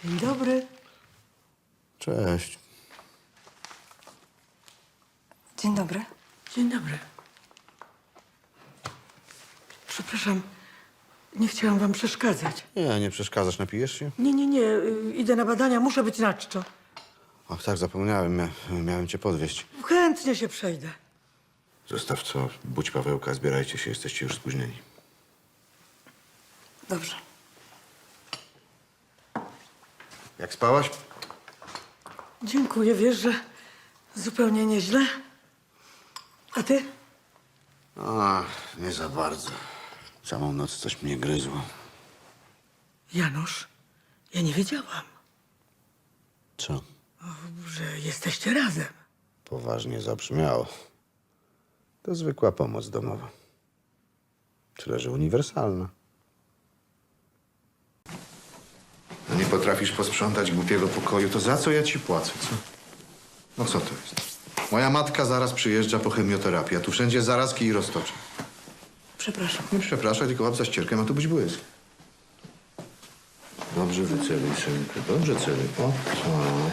Dzień dobry. Cześć. Dzień dobry. Dzień dobry. Przepraszam, nie chciałam wam przeszkadzać. Nie przeszkadzasz, napijesz się? Nie, idę na badania, muszę być na czczo. Ach tak, zapomniałem, miałem cię podwieźć. Chętnie się przejdę. Zostaw co, budź Pawełka, zbierajcie się, jesteście już spóźnieni. Dobrze. Jak spałaś? Dziękuję, wiesz, że zupełnie nieźle. A ty? Ach, nie za bardzo. Całą noc coś mnie gryzło. Janusz, ja nie wiedziałam, Co? że jesteście razem. Poważnie zabrzmiało. To zwykła pomoc domowa. Tyle, że uniwersalna. No nie potrafisz posprzątać głupiego pokoju, to za co ja ci płacę, co? No co to jest? Moja matka zaraz przyjeżdża po chemioterapię, a tu wszędzie zarazki i roztocze. Przepraszam. Nie przepraszaj, tylko łap za ścierkę, ma tu być błysk. Dobrze wyceluj, synku, dobrze celuj. O, co?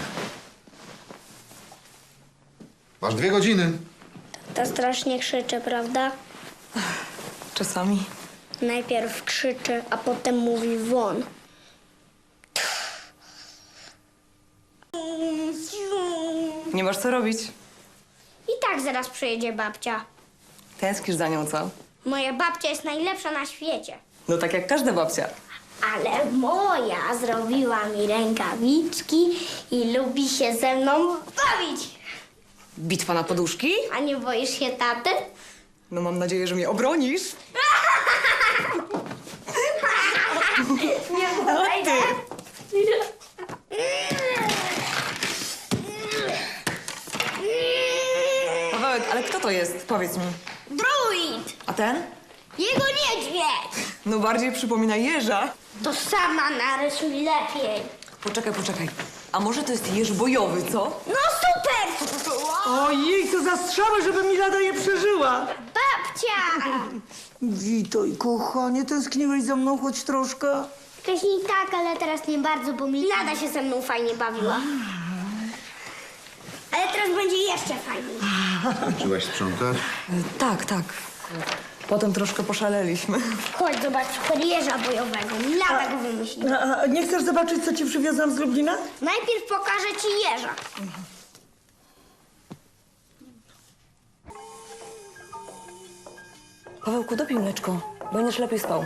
Masz 2 godziny. To strasznie krzyczy, prawda? Czasami. Najpierw krzyczy, a potem mówi won. Nie masz co robić. I tak zaraz przyjedzie babcia. Tęsknisz za nią, co? Moja babcia jest najlepsza na świecie. No tak jak każda babcia. Ale moja zrobiła mi rękawiczki i lubi się ze mną bawić. Bitwa na poduszki? A nie boisz się taty? No mam nadzieję, że mnie obronisz. Nie podejdę. Pawełek, ale kto to jest? Powiedz mi. Druid! A ten? Jego niedźwiedź! No bardziej przypomina jeża. To sama narysuj lepiej. Poczekaj. A może to jest jeż bojowy, co? No super! Ojej, co za strzały, żeby Milada je przeżyła. Babcia! Witaj, kochanie, tęskniłeś za mną choć troszkę? Wcześniej tak, ale teraz nie bardzo, bo Milada się ze mną fajnie bawiła. Ale teraz będzie jeszcze fajniej. Skończyłaś sprzątać? Tak. Potem troszkę poszaleliśmy. Chodź, zobacz kurierza bojowego. Milada go wymyśliła. A nie chcesz zobaczyć, co ci przywiozłam z Lublina? Najpierw pokażę ci jeża. Pawełku, dopij mleczko, będziesz lepiej spał.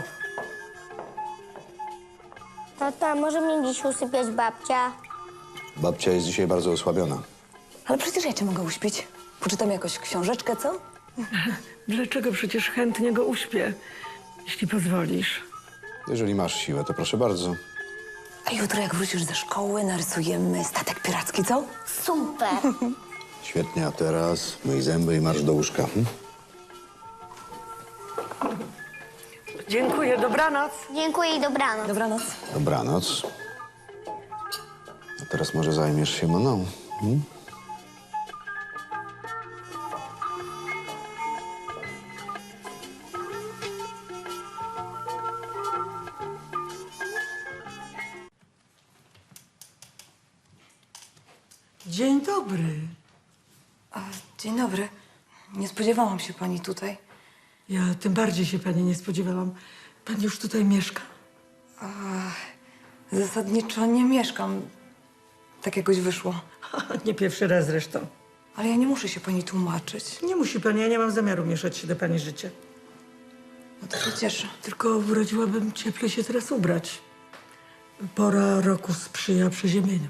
Tata, może mnie dziś usypiać babcia? Babcia jest dzisiaj bardzo osłabiona. Ale przecież ja cię mogę uśpić. Poczytam jakoś książeczkę, co? Dlaczego przecież chętnie go uśpię, jeśli pozwolisz? Jeżeli masz siłę, to proszę bardzo. A jutro jak wrócisz ze szkoły, narysujemy statek piracki, co? Super. Świetnie, a teraz myj zęby i marsz do łóżka. Dziękuję, dobranoc. Dziękuję i dobranoc. Dobranoc. Dobranoc. A teraz może zajmiesz się mną. Dzień dobry. Dzień dobry. Nie spodziewałam się pani tutaj. Ja tym bardziej się pani nie spodziewałam. Pani już tutaj mieszka? Zasadniczo nie mieszkam. Tak jakoś wyszło. Nie pierwszy raz zresztą. Ale ja nie muszę się pani tłumaczyć. Nie musi pani, ja nie mam zamiaru mieszać się do pani życia. No to się cieszę. Tylko radziłabym cieplej się teraz ubrać. Pora roku sprzyja przeziemieniu.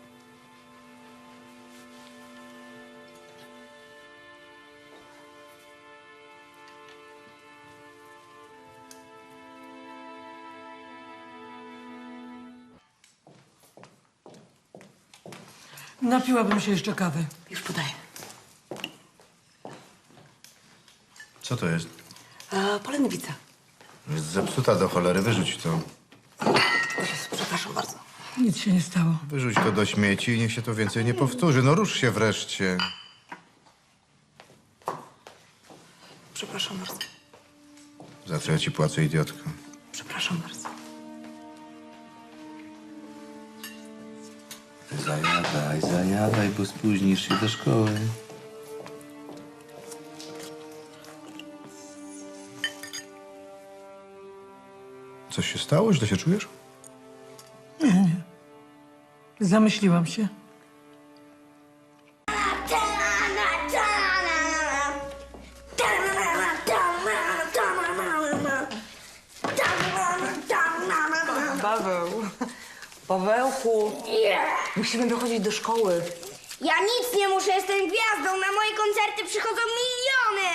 Napiłabym się jeszcze kawy. Już podaję. Co to jest? Polędwica. Jest zepsuta do cholery, wyrzuć to. O Jezu, przepraszam bardzo. Nic się nie stało. Wyrzuć to do śmieci i niech się to więcej nie powtórzy. No rusz się wreszcie. Przepraszam bardzo. Za co ja ci płacę, idiotko? Przepraszam bardzo. Zajadaj, bo spóźnisz się do szkoły. Coś się stało? Źle się czujesz? Zamyśliłam się. Paweł. Pawełku. Musimy dochodzić do szkoły. Ja nic nie muszę, jestem gwiazdą. Na moje koncerty przychodzą miliony.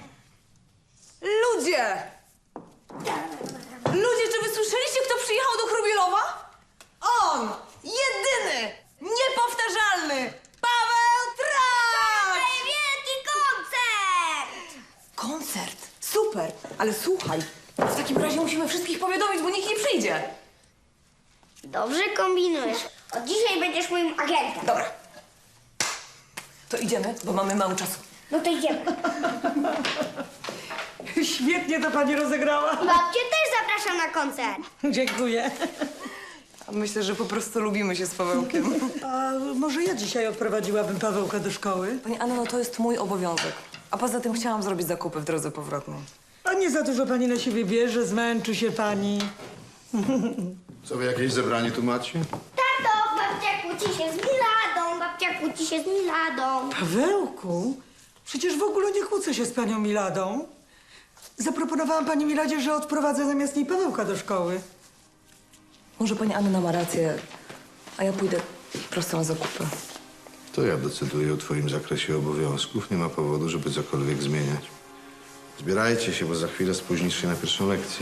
Ludzie! Ludzie, czy wy słyszeliście, kto przyjechał do Chrubielowa? On! Jedyny! Niepowtarzalny! Paweł Tracz! Wielki koncert! Koncert! Super! Ale słuchaj, w takim razie musimy wszystkich powiadomić, bo nikt nie przyjdzie. Dobrze kombinujesz. Od dzisiaj będziesz moim agentem. Dobra. To idziemy, bo mamy mało czasu. No to idziemy. Świetnie to pani rozegrała. Babcię też zapraszam na koncert. Dziękuję. Myślę, że po prostu lubimy się z Pawełkiem. A może ja dzisiaj odprowadziłabym Pawełka do szkoły? Pani Anno, no to jest mój obowiązek. A poza tym chciałam zrobić zakupy w drodze powrotnej. A nie za dużo pani na siebie bierze, zmęczy się pani. Co wy jakieś zebranie tu macie? Tato, babcia kłóci się z Miladą. Babcia kłóci się z Miladą. Pawełku, przecież w ogóle nie kłócę się z panią Miladą. Zaproponowałam pani Miladzie, że odprowadzę zamiast niej Pawełka do szkoły. Może pani Anna ma rację, a ja pójdę prosto na zakupy. To ja decyduję o twoim zakresie obowiązków. Nie ma powodu, żeby cokolwiek zmieniać. Zbierajcie się, bo za chwilę spóźnisz się na pierwszą lekcję.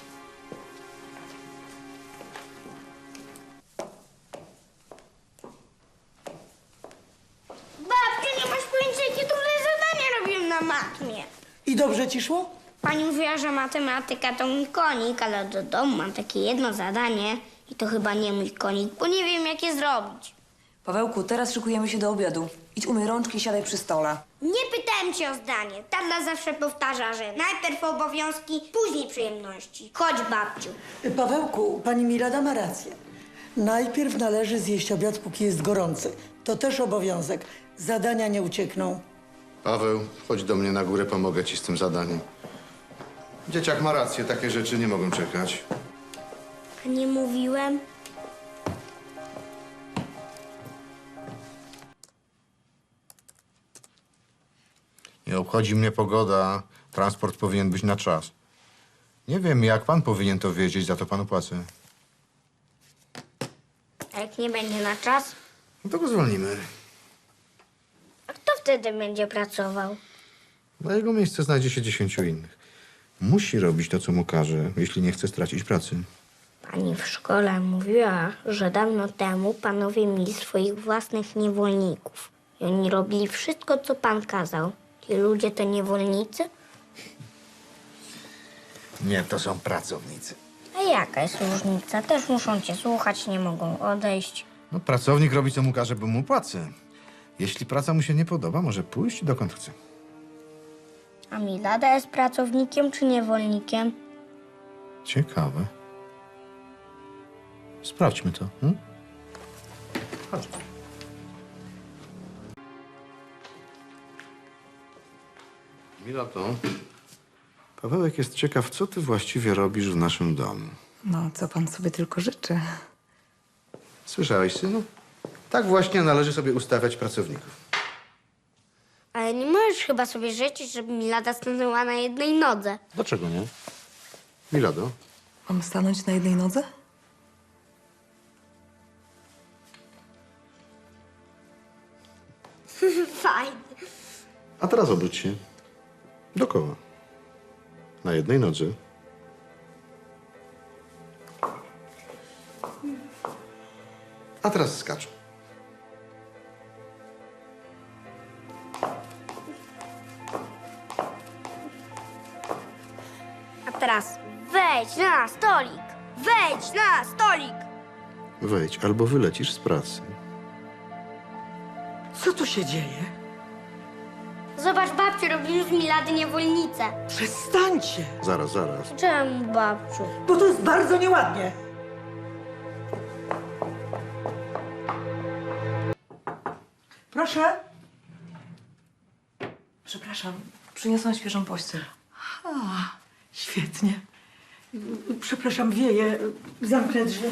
Babciu, nie masz pojęcia, jakie trudne zadania robiłem na matmie. I dobrze ci szło? Pani mówiła, że matematyka to mój konik, ale do domu mam takie jedno zadanie i to chyba nie mój konik, bo nie wiem, jak je zrobić. Pawełku, teraz szykujemy się do obiadu. Idź umyj rączki i siadaj przy stole. Nie pytałem cię o zdanie. Tata zawsze powtarza, że najpierw obowiązki, później przyjemności. Chodź, babciu. Pawełku, pani Milada ma rację. Najpierw należy zjeść obiad, póki jest gorący. To też obowiązek. Zadania nie uciekną. Paweł, chodź do mnie na górę, pomogę ci z tym zadaniem. Dzieciak ma rację, takie rzeczy nie mogą czekać. A nie mówiłem? Nie obchodzi mnie pogoda. Transport powinien być na czas. Nie wiem, jak pan powinien to wiedzieć, za to panu płacę. A jak nie będzie na czas, No to go zwolnimy. a kto wtedy będzie pracował? Na jego miejsce znajdzie się 10 innych. Musi robić to, co mu każe, jeśli nie chce stracić pracy. Pani w szkole mówiła, że dawno temu panowie mieli swoich własnych niewolników. I oni robili wszystko, co pan kazał. Ci ludzie to niewolnicy? Nie, to są pracownicy. A jaka jest różnica? Też muszą cię słuchać, nie mogą odejść. No, pracownik robi, co mu każe, bo mu płacę. Jeśli praca mu się nie podoba, może pójść dokąd chce. A Milada jest pracownikiem czy niewolnikiem? Ciekawe. Sprawdźmy to. Chodź. Milato, Pawełek jest ciekaw, co ty właściwie robisz w naszym domu. No, co pan sobie tylko życzy. Słyszałeś, synu? Tak właśnie należy sobie ustawiać pracowników. Ale nie możesz chyba sobie życzyć, żeby Milada stanęła na jednej nodze. Dlaczego nie? Milado, Mam stanąć na jednej nodze? Fajnie. a teraz obróć się. Dookoła. Na jednej nodze. A teraz skacz. A teraz wejdź na stolik. Wejdź na stolik. Wejdź, albo wylecisz z pracy. Co tu się dzieje? Zobacz, babciu, robimy z Milady niewolnicę. Przestańcie, Zaraz, zaraz. Czemu, babciu? bo to jest bardzo nieładnie. Proszę. Przepraszam, przyniosłam świeżą pościel. A, świetnie. Przepraszam, wieje. Zamknę drzwi.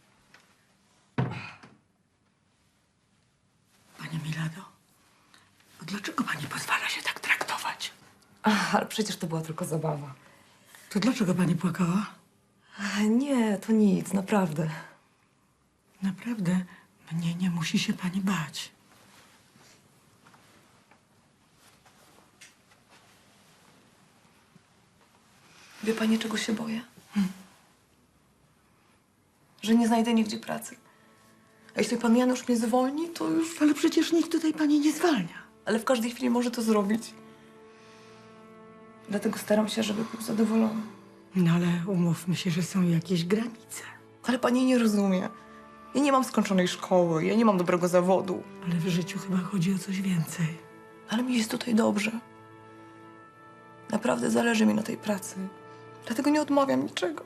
Pani Milado, dlaczego pani pozwala się tak traktować? Ach, ale przecież to była tylko zabawa. To dlaczego pani płakała? Nie, to nic, naprawdę. Naprawdę, mnie nie musi się pani bać. Wie pani, czego się boję? Że nie znajdę nigdzie pracy. A jeśli pan Janusz mnie zwolni, to już... Ale przecież nikt tutaj pani nie zwalnia. Ale w każdej chwili może to zrobić. Dlatego staram się, żeby był zadowolony. No ale umówmy się, że są jakieś granice. Ale pani nie rozumie. Ja nie mam skończonej szkoły, ja nie mam dobrego zawodu. Ale w życiu chyba chodzi o coś więcej. Ale mi jest tutaj dobrze. Naprawdę zależy mi na tej pracy. Dlatego nie odmawiam niczego.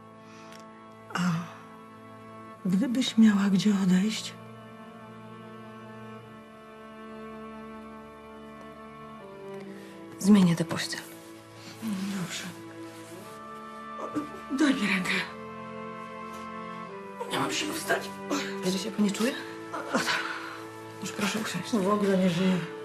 Gdybyś miała gdzie odejść, Zmienię tę pościel. dobrze. Daj mi rękę. Nie mam siły wstać. Źle się pani czuje? Już proszę usiąść. W ogóle nie żyję.